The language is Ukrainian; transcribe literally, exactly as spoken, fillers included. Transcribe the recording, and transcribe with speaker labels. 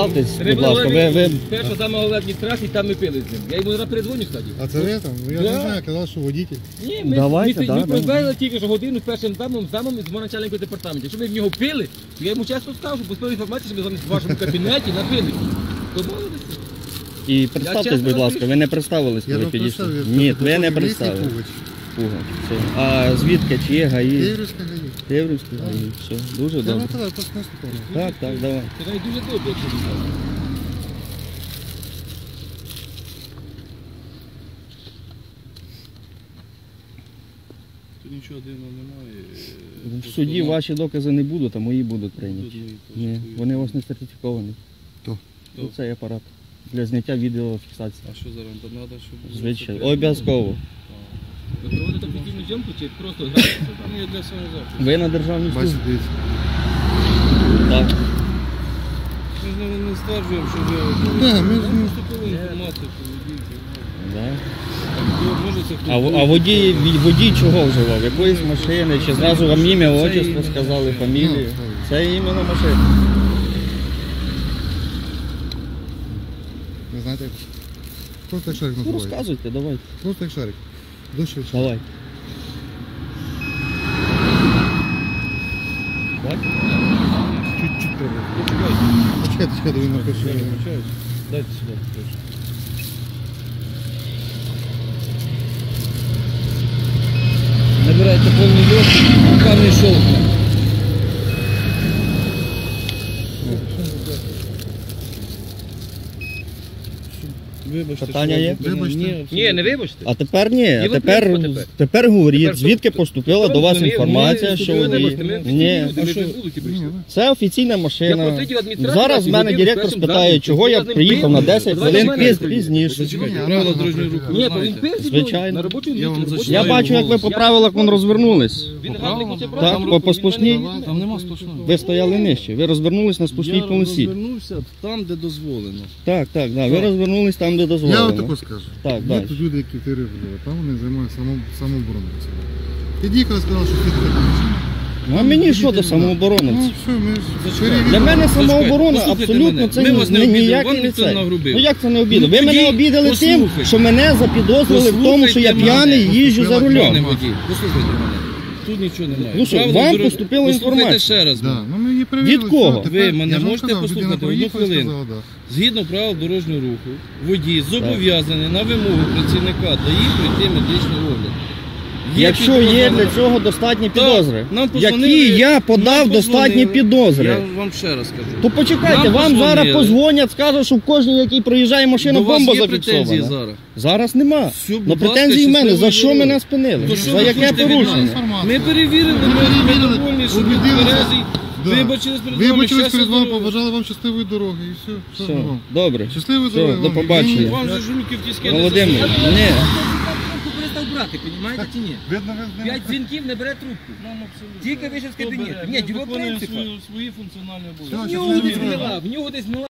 Speaker 1: представтесь, будь ласка, ви... ви...
Speaker 2: Перша саме головна адміністрація, там ми пили з ним. Я йому зараз передзвоню, кстати.
Speaker 3: А це ви там? Я
Speaker 2: Да.
Speaker 3: не знаю, казав, що водитель.
Speaker 2: Ні, ми,
Speaker 1: Давайте,
Speaker 2: ми,
Speaker 1: да,
Speaker 2: ми
Speaker 1: да.
Speaker 2: провели тільки що годину з першим замом, замом з мого начальника департаменту. Якщо ми в нього пили, то я йому часто скажу, бо з тої інформації, що ми з вами в вашому кабінеті напили. Домовилися?
Speaker 1: І представтесь,
Speaker 2: чесно
Speaker 1: будь ласка,
Speaker 2: кажу.
Speaker 1: ви не представились,
Speaker 3: Я
Speaker 1: коли
Speaker 3: не
Speaker 1: підійшли.
Speaker 3: представив, я
Speaker 1: Ні,
Speaker 3: сказав,
Speaker 1: ви не
Speaker 3: що
Speaker 1: представили.
Speaker 3: місний Пугач.
Speaker 1: Пугач, все. А звідки, чи є ГАІ?
Speaker 3: Київська ГАІ.
Speaker 1: Теврівський ГАІ, все, дуже
Speaker 3: Я
Speaker 1: добре.
Speaker 3: вам казав, просто не слухав.
Speaker 1: Так, так, давай.
Speaker 2: Це навіть дуже добре, якщо ви скажете.
Speaker 4: Тут нічого дивного немає.
Speaker 1: В суді ваші докази не будуть, а мої будуть прийняті.
Speaker 4: Тут мої теж
Speaker 1: Ні,
Speaker 4: стоять.
Speaker 1: вони у вас не сертифіковані.
Speaker 3: Хто?
Speaker 1: Ну, Цей апарат для зняття відеофіксації.
Speaker 4: А що зараз? Там треба, щоб...
Speaker 1: Звичайно, обов'язково.
Speaker 2: Ви проводите офіційну зйомку чи просто граєте там?
Speaker 4: Ні, для самозахисту.
Speaker 1: Ви на державній
Speaker 3: Бачите,
Speaker 1: службі?
Speaker 3: дивіться.
Speaker 1: Так.
Speaker 4: Ми ж не- не стверджуємо, що ви...
Speaker 3: Да, ми ж
Speaker 4: Нам
Speaker 3: не-
Speaker 4: поступила інформація, що водій.
Speaker 1: Да.
Speaker 4: Ви можете...
Speaker 1: А, в- а водій, водій чого вживав? Якоїсь машини? Чи зразу вам ім'я, отчество сказали, фамілію? Це іменно машина.
Speaker 3: Ви знаєте, як? Просто як шарик
Speaker 1: Ну
Speaker 3: називається.
Speaker 1: розказуйте, давайте.
Speaker 3: Просто як шарик. Дощ від шарика.
Speaker 1: Давай. Так?
Speaker 3: Чуть-чуть треба. Почекайте, чекайте, він напише.
Speaker 4: Дайте сюди. прошу. Набирайте повний льот, руками щелкне. Вибачте,
Speaker 1: Питання
Speaker 4: що
Speaker 1: є?
Speaker 4: ви-
Speaker 3: Вибачте.
Speaker 4: Ні,
Speaker 2: Ні,
Speaker 4: абсолютно.
Speaker 2: не вибачте.
Speaker 1: А тепер ні, а
Speaker 2: І ви
Speaker 1: тепер,
Speaker 2: прийшли тепер.
Speaker 1: тепер говоріть,
Speaker 2: Тепер що?
Speaker 1: звідки поступила до вас
Speaker 2: Ми-
Speaker 1: інформація,
Speaker 2: ми
Speaker 1: що
Speaker 2: вступили,
Speaker 1: водій.
Speaker 2: вибачте, ми вступили,
Speaker 1: Ні,
Speaker 2: люди,
Speaker 4: а
Speaker 2: ми
Speaker 4: що?
Speaker 2: без вулиці прийшли.
Speaker 1: це офіційна
Speaker 2: Я
Speaker 1: машина.
Speaker 2: просидів адміністрацію,
Speaker 1: Зараз в мене
Speaker 2: годину
Speaker 1: директор
Speaker 2: першим
Speaker 1: спитає,
Speaker 2: замом.
Speaker 1: чого я
Speaker 2: Я з ним
Speaker 1: приїхав
Speaker 2: пив,
Speaker 1: на десять
Speaker 2: давай
Speaker 1: хвилин
Speaker 2: до мене
Speaker 1: піз-
Speaker 2: приїдь.
Speaker 1: пізніше.
Speaker 4: Зачекайте,
Speaker 3: Ні,
Speaker 4: правила
Speaker 3: вона
Speaker 4: дорожнього
Speaker 3: там
Speaker 4: руху
Speaker 2: Ні,
Speaker 4: ви
Speaker 2: то він
Speaker 4: знаєте.
Speaker 2: пив зі
Speaker 1: Звичайно.
Speaker 2: мною на робочому
Speaker 4: Я вам
Speaker 2: місці.
Speaker 4: зачитаю.
Speaker 1: Я
Speaker 2: робочому
Speaker 1: бачу, як ви по правилах вон розвернулись.
Speaker 2: Він гавник хоче
Speaker 1: Так,
Speaker 2: брати.
Speaker 1: по- по сплошній.
Speaker 4: Там нема сплошного.
Speaker 1: Ви стояли нижче, ви розвернулись на спушній
Speaker 4: Я
Speaker 1: полосі.
Speaker 4: розвернувся там, де дозволено.
Speaker 1: Так, так, да, ви розвернулись там, де
Speaker 3: Я
Speaker 1: дозволено.
Speaker 3: отако скажу.
Speaker 1: Так,
Speaker 3: Є
Speaker 1: далі.
Speaker 3: тут люди, які тири вживають, там вони займаються само- самообороною. Під'їхали, сказали, що слід така машина.
Speaker 1: Ну а мені що до
Speaker 3: Ну,
Speaker 1: самооборонівців?
Speaker 3: все, ми ж
Speaker 1: Для
Speaker 3: перевірили.
Speaker 1: мене самооборона
Speaker 4: Послухайте
Speaker 1: абсолютно
Speaker 4: мене.
Speaker 1: це
Speaker 4: Ми
Speaker 1: ні-
Speaker 4: вас не
Speaker 1: ні-
Speaker 4: обідали,
Speaker 1: ніякий
Speaker 4: вам
Speaker 1: не
Speaker 4: ніхто
Speaker 1: це.
Speaker 4: не нагрубив.
Speaker 1: Ну як це не обідали?
Speaker 4: Ну,
Speaker 1: Ви мене
Speaker 4: тоді
Speaker 1: обідали тим,
Speaker 4: послухайте.
Speaker 1: що мене запідозрили в тому, що я
Speaker 4: Послухайте
Speaker 1: п'яний
Speaker 4: мене.
Speaker 1: їжджу за
Speaker 3: Послухайте
Speaker 4: Пане
Speaker 1: рулем.
Speaker 3: мене.
Speaker 4: водій, послухайте мене. Тут нічого немає.
Speaker 1: Ну що,
Speaker 4: Правила
Speaker 1: вам
Speaker 4: дорож-
Speaker 1: поступила
Speaker 4: Послухайте
Speaker 1: інформація.
Speaker 4: ще раз.
Speaker 3: Да,
Speaker 4: мене.
Speaker 3: ну ми її перевірили.
Speaker 1: Від кого?
Speaker 3: все, тепер-
Speaker 4: Ви мене
Speaker 3: я ж вам
Speaker 4: можете
Speaker 3: сказав,
Speaker 4: послухати
Speaker 3: людина
Speaker 4: одну
Speaker 3: проїхала і
Speaker 4: хвилину?
Speaker 3: сказала, да.
Speaker 4: Згідно правил дорожнього руху, водій зобов'язаний на вимогу працівника ДАІ пройти медичний огляд.
Speaker 1: Якщо
Speaker 4: підозра
Speaker 1: є
Speaker 4: на-
Speaker 1: для цього достатні
Speaker 4: Так,
Speaker 1: підозри,
Speaker 4: нам позвонили-
Speaker 1: які я подав
Speaker 4: нам
Speaker 1: достатні
Speaker 4: позвонили.
Speaker 1: підозри,
Speaker 4: Я вам ще раз кажу.
Speaker 1: то почекайте,
Speaker 4: Нам
Speaker 1: вам
Speaker 4: позвонили.
Speaker 1: зараз позвонять, скажуть, що в кожній, якій проїжджає машина,
Speaker 4: До вас
Speaker 1: бомба
Speaker 4: є претензії
Speaker 1: зафіксована.
Speaker 4: зараз?
Speaker 1: Зараз нема.
Speaker 4: Все, будь
Speaker 1: Ну
Speaker 4: ласка,
Speaker 1: претензії в мене, за
Speaker 4: щасливої
Speaker 1: що
Speaker 4: дороги.
Speaker 1: мене спинили?
Speaker 4: То що
Speaker 1: За
Speaker 4: ви
Speaker 1: яке
Speaker 4: хочете від
Speaker 1: порушення?
Speaker 4: нас?
Speaker 3: Інформація.
Speaker 4: Ми перевірили, ми
Speaker 3: перевірили,
Speaker 4: довольні, що ви
Speaker 3: убедилися.
Speaker 4: тверезий.
Speaker 3: Да.
Speaker 4: Вибачились перед вами,
Speaker 3: Вибачились
Speaker 4: щастя,
Speaker 3: перед вами,
Speaker 4: здоров'я.
Speaker 3: побажали вам щасливої дороги і все. Що
Speaker 1: Все,
Speaker 3: вам?
Speaker 1: добре.
Speaker 3: Щасливої
Speaker 1: Все,
Speaker 3: дороги.
Speaker 1: до
Speaker 3: вам.
Speaker 1: побачення.
Speaker 4: Вам же ж руки в тіски не
Speaker 1: Володимир,
Speaker 4: засунули.
Speaker 1: ні.
Speaker 2: Трубку перестав брати, розумієте чи ні?
Speaker 3: Видно, ви з ним-
Speaker 2: П'ять дзвінків не бере трубку.
Speaker 4: Нам абсолютно.
Speaker 2: Тільки вийшов з
Speaker 4: Хто
Speaker 2: кабінету.
Speaker 4: бере?
Speaker 2: Ні,
Speaker 4: Ми
Speaker 2: діло
Speaker 4: виконуємо
Speaker 2: принципа.
Speaker 4: свої- свої функціональні
Speaker 3: Все,
Speaker 2: В
Speaker 4: обов'язки.
Speaker 2: нього
Speaker 3: щасливої
Speaker 2: десь
Speaker 3: дороги.
Speaker 2: гнила, в нього десь гнила.